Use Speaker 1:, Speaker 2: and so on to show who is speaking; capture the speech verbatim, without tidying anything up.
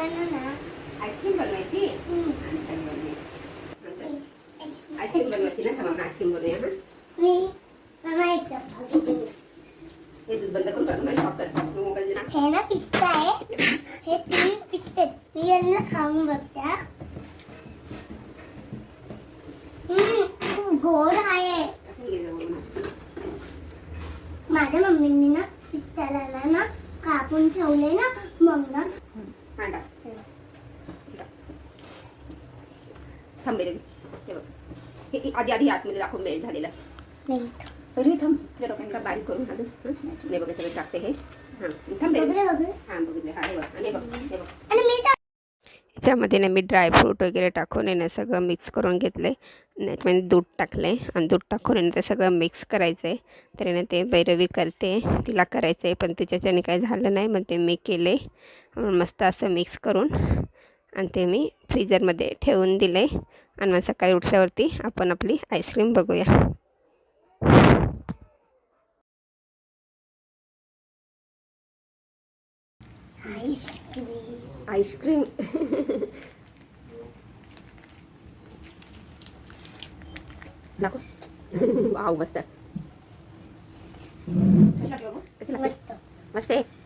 Speaker 1: ना
Speaker 2: आईस्क्रीम बनवायची आणि चल बनवूया. आईस्क्रीम बनवायची ना समोर आईस्क्रीम बनवूया ना.
Speaker 1: मी बनवायचं.
Speaker 2: हे दूध बंद करून बघ मला शॉक कर मोबाईल ना.
Speaker 1: हे ना पिस्ता आहे. हे तीन पिस्ते मी यांना खाऊन बघते. खूप गोड आहे.
Speaker 2: असं घे जवळ मस्त.
Speaker 1: माझ्या मम्मीने ना पिस्त्याला ना कापून ठेवले ना मग ना
Speaker 2: हांडा थांबे रे. हे बघ हे आधी आधी आतमध्ये दाखवून मेल्ट झालेलं.
Speaker 1: नाही
Speaker 2: अरे थांब तुझ्या डोक्यात बारीक करून अजून नाही बघ सगळं टाकते हे. हां थांबे
Speaker 1: बघले बघले
Speaker 2: हां बघितले हा हे बघ आणि हे बघ हे बघ
Speaker 1: आणि मी
Speaker 2: याच्यामध्ये ना मी ड्रायफ्रूट वगैरे टाकून आहे ना सगळं मिक्स करून घेतलं आहे. त्याच्यामध्ये दूध टाकलं आहे आणि दूध टाकून आहे ना ते सगळं मिक्स करायचं आहे. तर ना ते भैरवी करते तिला करायचं आहे पण तिच्याच्याने काही झालं नाही मग ते मी केले मस्त असं मिक्स करून आणि ते मी फ्रीजरमध्ये ठेवून दिले आणि मग सकाळी उठल्यावरती आपण आपली आईस्क्रीम बघूया.
Speaker 1: आईस्क्रीम
Speaker 2: आईस्क्रीम दाखव. वाव मस्त कशी लागते बाबू? कशी लागते?
Speaker 1: मस्त
Speaker 2: मस्त आहे.